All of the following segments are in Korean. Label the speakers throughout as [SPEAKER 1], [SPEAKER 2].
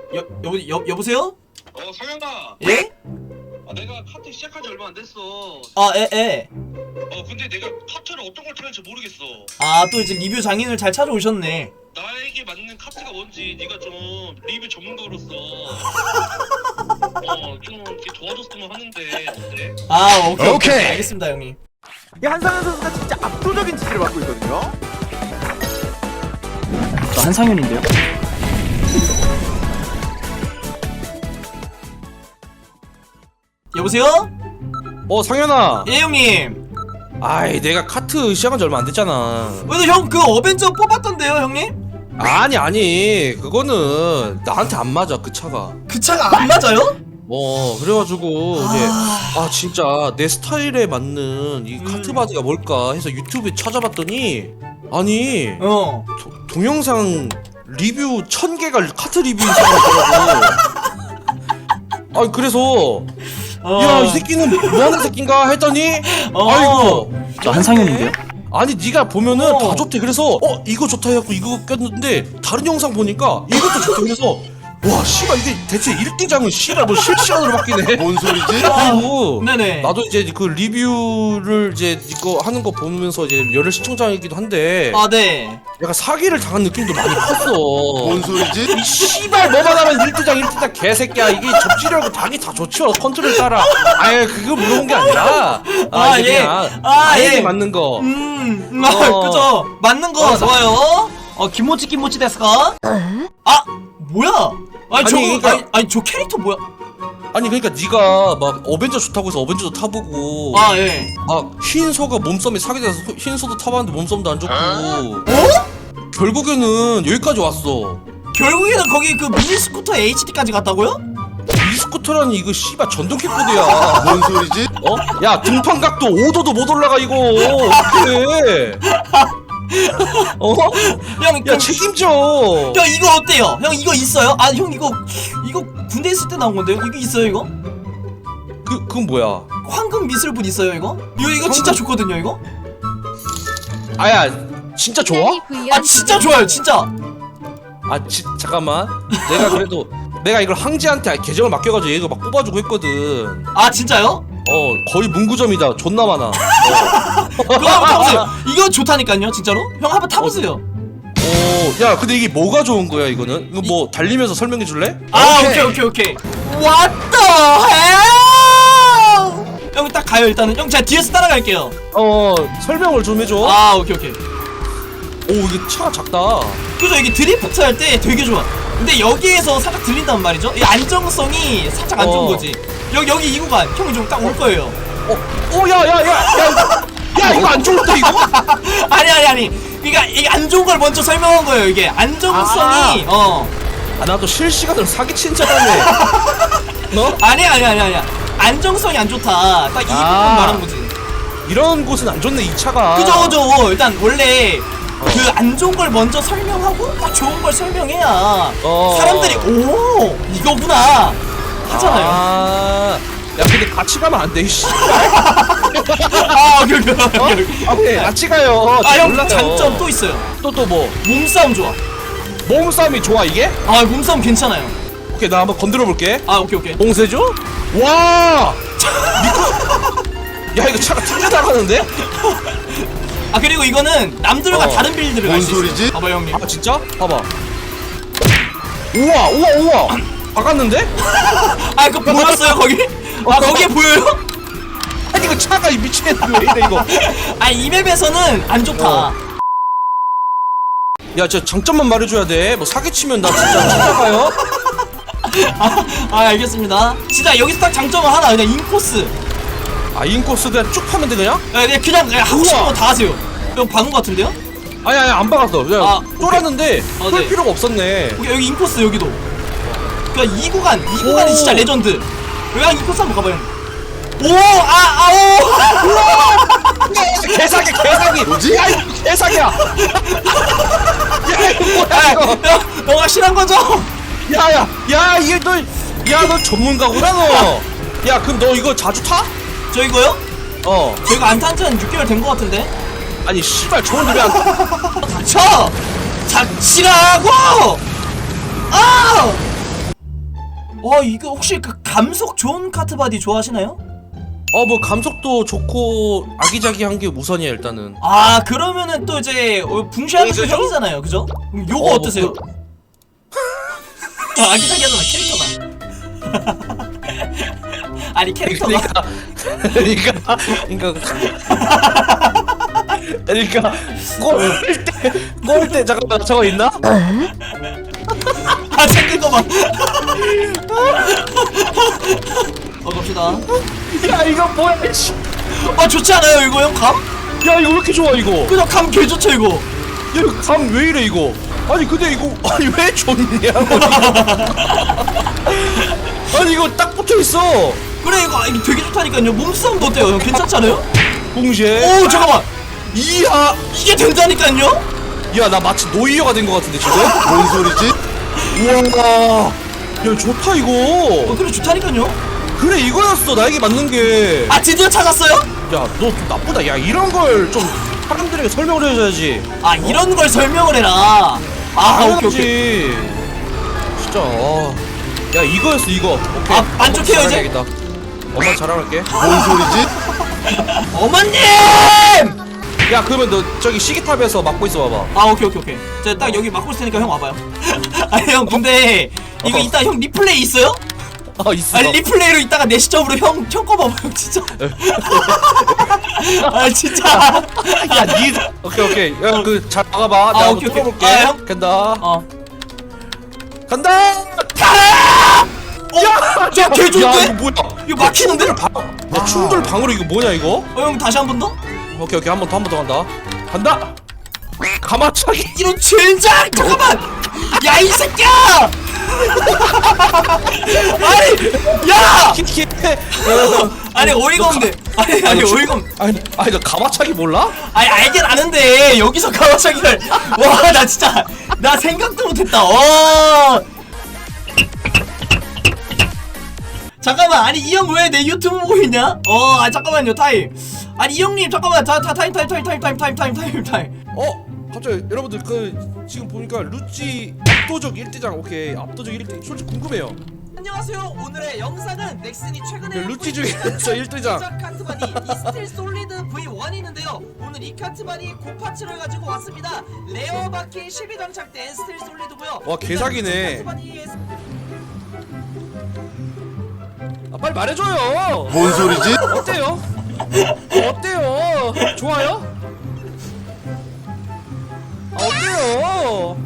[SPEAKER 1] 여보세요?
[SPEAKER 2] 성현아.
[SPEAKER 1] 예?
[SPEAKER 2] 내가 카트 시작한 지 얼마 안 됐어.
[SPEAKER 1] 예.
[SPEAKER 2] 근데 내가 카트를 어떤 걸 타야 할지 모르겠어.
[SPEAKER 1] 또 이제 리뷰 장인을 잘 찾아오셨네.
[SPEAKER 2] 나에게 맞는 카트가 뭔지 네가 좀 리뷰 전문가로서 좀 이렇게 도와줬으면 하는데 어때?
[SPEAKER 1] 오케이. 알겠습니다, 형님.
[SPEAKER 3] 이 한상현 선수가 진짜 압도적인 지지를 받고 있거든요.
[SPEAKER 4] 저 한상현인데요.
[SPEAKER 1] 여보세요?
[SPEAKER 5] 상현아.
[SPEAKER 1] 예, 형님.
[SPEAKER 5] 아이, 내가 카트 시작한 지 얼마 안 됐잖아.
[SPEAKER 1] 근데 형 그 어벤져 뽑았던데요, 형님?
[SPEAKER 5] 아니 그거는 나한테 안 맞아, 그 차가.
[SPEAKER 1] 그 차가 안 맞아요?
[SPEAKER 5] 그래가지고 이제 진짜 내 스타일에 맞는 이 카트 바디가 뭘까 해서 유튜브에 찾아봤더니 아니 동영상 리뷰 1000개가 카트 리뷰인 사람이 있더라고. 그래서 야, 이 새끼는 뭐하는 새끼인가 했더니 아이고
[SPEAKER 4] 저 한상현인데요.
[SPEAKER 5] 아니 네가 보면은 다 좋대. 그래서 이거 좋다 해갖고 이거 꼈는데 다른 영상 보니까 이것도 좋대. 그래서 와 씨발 이게 대체 1등장은 씨발 뭐 실시간으로 바뀌네.
[SPEAKER 3] 뭔 소리지?
[SPEAKER 5] 그리고
[SPEAKER 1] 네네.
[SPEAKER 5] 나도 이제 그 리뷰를 이제 이거 하는 거 보면서 이제 열혈 시청자이기도 한데
[SPEAKER 1] 네.
[SPEAKER 5] 내가 사기를 당한 느낌도 많이 컸어.
[SPEAKER 3] 뭔 소리지?
[SPEAKER 5] 이 씨발 뭐만 하면 1등장 개새끼야. 이게 접지력은 당이 다 좋죠. 컨트롤 따라. 그거 물어본 게 아니라 이게 그냥 나에게 맞는 거.
[SPEAKER 1] 그죠. 맞는 거 좋아요. 김모찌 데스까? 뭐야? 저 캐릭터 뭐야?
[SPEAKER 5] 아니 그러니까 네가 막 어벤져 좋다고 해서 어벤져도 타보고
[SPEAKER 1] 예.
[SPEAKER 5] 흰소가 몸싸움에 사게 돼서 흰소도 타봤는데 몸싸움도 안 좋고 결국에는 여기까지 왔어.
[SPEAKER 1] 결국에는 거기 그 미니 스쿠터 HD까지 갔다고요?
[SPEAKER 5] 이 스쿠터라니 이거 씨발 전동 킥보드야.
[SPEAKER 3] 뭔 소리지?
[SPEAKER 5] 야 등판 각도 5도도 못 올라가 이거 어떡해.
[SPEAKER 1] 형,
[SPEAKER 5] 야 책임져.
[SPEAKER 1] 형 이거 어때요? 형 이거 있어요? 형 이거 군대 있을 때 나온 건데요? 이거 있어요 이거?
[SPEAKER 5] 그건 뭐야?
[SPEAKER 1] 황금 미술분 있어요 이거? 이거 진짜 좋거든요 이거?
[SPEAKER 5] 야 진짜 좋아?
[SPEAKER 1] 진짜 좋아요 진짜.
[SPEAKER 5] 잠깐만. 내가 그래도 내가 이걸 항지한테 계정을 맡겨가지고 얘가 막 뽑아주고 했거든.
[SPEAKER 1] 진짜요?
[SPEAKER 5] 거의 문구점이다. 존나 많아.
[SPEAKER 1] 그거 한번 타보세요. 이거 좋다니까요 진짜로? 형 한번 타보세요.
[SPEAKER 5] 야 근데 이게 뭐가 좋은 거야 이거는? 이거 뭐 달리면서 설명해 줄래?
[SPEAKER 1] 오케이. What the hell? 형 딱 가요 일단은. 형 제가 뒤에서 따라갈게요.
[SPEAKER 5] 설명을 좀 해줘.
[SPEAKER 1] 오케이.
[SPEAKER 5] 이게 차가 작다.
[SPEAKER 1] 그죠? 이게 드리프트 할 때 되게 좋아. 근데 여기에서 살짝 들린단 말이죠? 이 안정성이 살짝 안 좋은 거지. 여기 이 구간 형이 좀 딱 올 거예요.
[SPEAKER 5] 야 이거 안 좋은데 이거?
[SPEAKER 1] 아니. 그러니까 이게 안 좋은 걸 먼저 설명한 거예요. 이게 안정성이
[SPEAKER 5] 나도 실시간으로 사기친 자라네. 너?
[SPEAKER 1] 아니야. 안정성이 안 좋다. 딱 이 부분 말한 거지.
[SPEAKER 5] 이런 곳은 안 좋네 이 차가.
[SPEAKER 1] 그죠. 일단 원래 그 안 좋은 걸 먼저 설명하고 딱 좋은 걸 설명해야 사람들이 오 이거구나 하잖아요.
[SPEAKER 5] 야 근데 같이 가면 안 돼 이씨.
[SPEAKER 1] 오케이.
[SPEAKER 5] 같이 가요.
[SPEAKER 1] 형 장점 또 있어요.
[SPEAKER 5] 또 뭐?
[SPEAKER 1] 몸싸움 좋아.
[SPEAKER 5] 몸싸움이 좋아 이게?
[SPEAKER 1] 몸싸움 괜찮아요.
[SPEAKER 5] 오케이 나 한번 건드려 볼게.
[SPEAKER 1] 오케이.
[SPEAKER 5] 봉쇄죠? 와! 야 이거 차가 튕겨 나가는데?
[SPEAKER 1] 그리고 이거는 남들과 다른 빌드를 갈 수 있어요.
[SPEAKER 3] 뭔 소리지?
[SPEAKER 1] 봐봐 형님.
[SPEAKER 5] 진짜? 봐봐. 우와. 박았는데?
[SPEAKER 1] 그거 보였어요 거기? 거기에 보여요?
[SPEAKER 5] 아니 이거 차가 미치겠네 왜 이래 이거.
[SPEAKER 1] 이 맵에서는 안 좋다.
[SPEAKER 5] 야 진짜 장점만 말해줘야 돼. 뭐 사기치면 나 진짜 찾아가요.
[SPEAKER 1] 알겠습니다. 진짜 여기서 딱 장점은 하나. 그냥 인코스.
[SPEAKER 5] 인코스 그냥 쭉 하면 돼 그냥?
[SPEAKER 1] 그냥 하고 싶은 거 다 하세요. 형 박은 거 같은데요?
[SPEAKER 5] 아니 안 박았어. 그냥 쫄았는데 쫄
[SPEAKER 1] 네.
[SPEAKER 5] 필요가 없었네.
[SPEAKER 1] 여기 인코스 여기도. 그러니까 이 구간이 진짜 레전드. 여기 인코스 한번 가봐요.
[SPEAKER 5] 개사기.
[SPEAKER 3] 뭐지?
[SPEAKER 5] 야 이거 개사기야. 야 이거 뭐야 이거.
[SPEAKER 1] 너가 실한 거죠?
[SPEAKER 5] 야 이게 너 전문가구나 너. 야 그럼 너 이거 자주 타?
[SPEAKER 1] 저 이거요? 저희가 안 탄 지 한 6개월 된 거 같은데?
[SPEAKER 5] 아니 씨발 좋은 노래 안
[SPEAKER 1] 닥쳐! 닥치라고! 이거 혹시 그 감속 좋은 카트 바디 좋아하시나요?
[SPEAKER 5] 뭐 감속도 좋고 아기자기한 게 우선이야 일단은.
[SPEAKER 1] 아 그러면은 또 이제 붕시하는 그 형이잖아요, 그죠? 그럼 요거
[SPEAKER 5] 뭐
[SPEAKER 1] 어떠세요? 아기자기하잖아, 캐릭터가. 아니 캐릭터가.
[SPEAKER 5] 그러니까 꼴때 잠깐만 저거 있나?
[SPEAKER 1] 아 생긴 거 봐. 갑시다.
[SPEAKER 5] 야 이거 뭐야? 씨.
[SPEAKER 1] 좋지 않아요 이거 형 감?
[SPEAKER 5] 야 이거 왜 이렇게 좋아 이거?
[SPEAKER 1] 그냥 감 개 좋죠 이거.
[SPEAKER 5] 야 이거 감 왜 이래 이거? 아니 근데 이거 아니 왜 좋냐고? 아니 이거 딱 붙어 있어.
[SPEAKER 1] 그래 이거 되게 좋다니까요. 몸싸움도 어때요 형? 괜찮지 않아요?
[SPEAKER 5] 동시에.
[SPEAKER 1] 오 잠깐만.
[SPEAKER 5] 이야.
[SPEAKER 1] 이게 된다니까요?
[SPEAKER 5] 야 나 마치 노이어가 된 것 같은데 지금?
[SPEAKER 3] 뭔 소리지?
[SPEAKER 5] 우와. 야 좋다 이거.
[SPEAKER 1] 그래 좋다니까요.
[SPEAKER 5] 그래 이거였어 나에게 맞는 게.
[SPEAKER 1] 드디어 찾았어요?
[SPEAKER 5] 야 너 좀 나쁘다. 야 이런 걸 좀 사람들에게 설명을 해줘야지.
[SPEAKER 1] 이런 걸 설명을 해라. 오케이.
[SPEAKER 5] 진짜. 야 이거였어 이거. 오케이.
[SPEAKER 1] 만족해요, 이제?
[SPEAKER 5] 자랑해야겠다. 엄마 자랑할게.
[SPEAKER 3] 뭔 소리지?
[SPEAKER 1] 어머님!
[SPEAKER 5] 야 그러면 너 저기 시계탑에서 막고 있어 봐봐.
[SPEAKER 1] 오케이. 제가 딱 여기 막고 있을 테니까 형 와봐요. 아니 형 근데 이거 이따 형 리플레이 있어요?
[SPEAKER 5] 있어.
[SPEAKER 1] 리플레이로 이따가 내 시점으로 형 거 봐봐요 진짜. 진짜.
[SPEAKER 5] 야 니. 오케이. 야 그 잘 막아봐. 내가 한번
[SPEAKER 1] 오케이.
[SPEAKER 5] 뚫어볼게.
[SPEAKER 1] 형?
[SPEAKER 5] 간다.
[SPEAKER 1] 가라!
[SPEAKER 5] 간다.
[SPEAKER 1] 야! 개 좋은데?
[SPEAKER 5] 야 이거 뭐야?
[SPEAKER 1] 이거 막히는데?
[SPEAKER 5] 야 충돌 방으로 이거 뭐냐 이거?
[SPEAKER 1] 형 다시 한 번 더?
[SPEAKER 5] 오케이 한 번 더 간다. 간다. 가마차기.
[SPEAKER 1] 이런 젠장! 잠깐만! 야 이 새끼야! 아니! 야!
[SPEAKER 5] 키키.
[SPEAKER 1] 아니 어이가 없네. 아니 어이가 없네.
[SPEAKER 5] 아니 너 가마차기 몰라?
[SPEAKER 1] 알긴 아는데 여기서 가와차기를 와 나 진짜 나 생각도 못했다. 잠깐만 이 형 왜 내 유튜브 보고 있냐? 잠깐만요 타임. 이 형님 잠깐만 타임.
[SPEAKER 5] 갑자기 여러분들 지금 보니까 루찌 압도적 1대장. 오케이 압도적 1대. 솔직히 궁금해요.
[SPEAKER 1] 안녕하세요. 오늘의 영상은 넥슨이 최근에
[SPEAKER 5] 루찌 중에서 1대장
[SPEAKER 1] 카트바디 이스틸 솔리드 V1이 있는데요. 오늘 이 카트바디 고파츠를 가지고 왔습니다. 레어 바퀴 10이 장착된 스틸 솔리드고요.
[SPEAKER 5] 와, 개사기네. 빨리 말해줘요.
[SPEAKER 3] 뭔 소리지?
[SPEAKER 5] 어때요? 어때요? 좋아요? 어때요?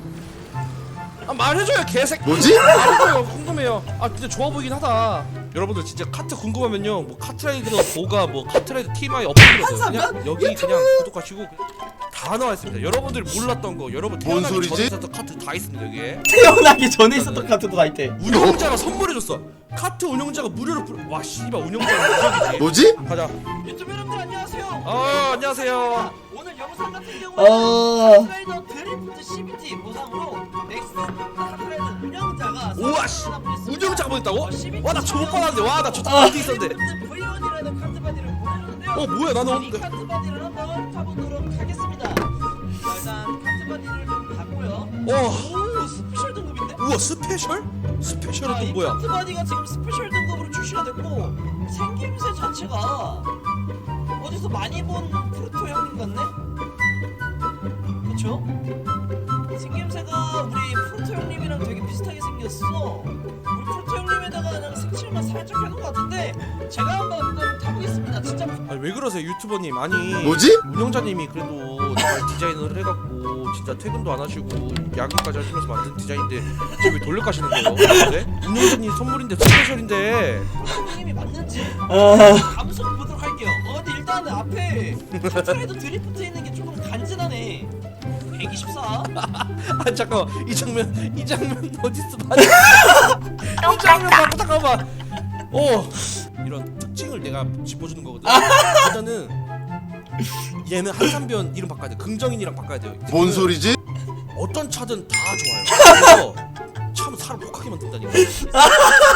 [SPEAKER 5] 말해줘요 개새끼.
[SPEAKER 3] 뭐지?
[SPEAKER 5] 말해줘요. 궁금해요. 근데 좋아 보이긴 하다. 여러분들 진짜 카트 궁금하면요 뭐 카트라이더 보가 뭐 카트라이더 TMI 업로드거든요. 그냥 여기 그냥 구독하시고 다 나와 있습니다. 여러분들 몰랐던 거 여러분
[SPEAKER 3] 뭔
[SPEAKER 5] 태어나기
[SPEAKER 3] 소리지?
[SPEAKER 5] 전에 있었던 카트 다 있습니다 여기에.
[SPEAKER 1] 태어나기 전에 있었던 카트도 다 있대.
[SPEAKER 5] 운영자가 선물해줬어. 카트 운영자가 무료로 와 씨발 운영자가 무료이지.
[SPEAKER 3] 뭐지?
[SPEAKER 5] 가자.
[SPEAKER 1] 유튜브 여러분들 안녕하세요.
[SPEAKER 5] 안녕하세요.
[SPEAKER 1] 오늘 영상 같은 경우는 카트라이더 드리프트 CBT 보상으로 넥슨 카트라이더 운영자가
[SPEAKER 5] 우와 씨 운영자가 보냈다고? 와 나 저못 받았는데 와 나 저
[SPEAKER 1] 아.
[SPEAKER 5] 카트 있었는데.
[SPEAKER 1] V1이라는 카트바디를 보내줬는데요.
[SPEAKER 5] 뭐야 나는
[SPEAKER 1] 이
[SPEAKER 5] 없는데.
[SPEAKER 1] 카트바디를 한번 타보도록 하겠습니다. 일단 카트바디를 좀 봤고요.
[SPEAKER 5] 어.
[SPEAKER 1] 오 스페셜 등급인데?
[SPEAKER 5] 우와 스페셜? 스페셜은
[SPEAKER 1] 이
[SPEAKER 5] 또 뭐야?
[SPEAKER 1] 카트바디가 지금 스페셜 등급으로 출시가 됐고 생김새 자체가 어디서 많이 본 프루토 형님 같네? 그쵸? 생김새가 우리 프루토 형님이랑 되게 비슷하게 생겼어. 우리 프루토 형님에다가 그냥 색칠만 살짝 해놓은 것 같은데 제가 한번 그걸 타보겠습니다. 진짜
[SPEAKER 5] 아니 왜 그러세요 유튜버님. 아니
[SPEAKER 3] 뭐지?
[SPEAKER 5] 운영자님이 그래도 잘 디자인을 해갖고 진짜 퇴근도 안 하시고 야근까지 하시면서 만든 디자인인데 지금 왜 돌려가시는 거예요? 네? 운영자님 선물인데 스페셜인데.
[SPEAKER 1] 형님이 맞는지 감속 보도록 할게요. 근데 일단은 앞에 카트라이더 드리프트 있는 게 조금 간지나네. 124.
[SPEAKER 5] 잠깐만 이 장면 어디서 봤지? 이 장면 봐봐 잠깐만. 이런 특징을 내가 짚어주는 거거든. 일단은 얘는 한산변 이름 바꿔야 돼. 긍정인이랑 바꿔야 돼요.
[SPEAKER 3] 뭔 소리지?
[SPEAKER 5] 어떤 차든 다 좋아요. 그래서 참 사람 독하게 만든다니까.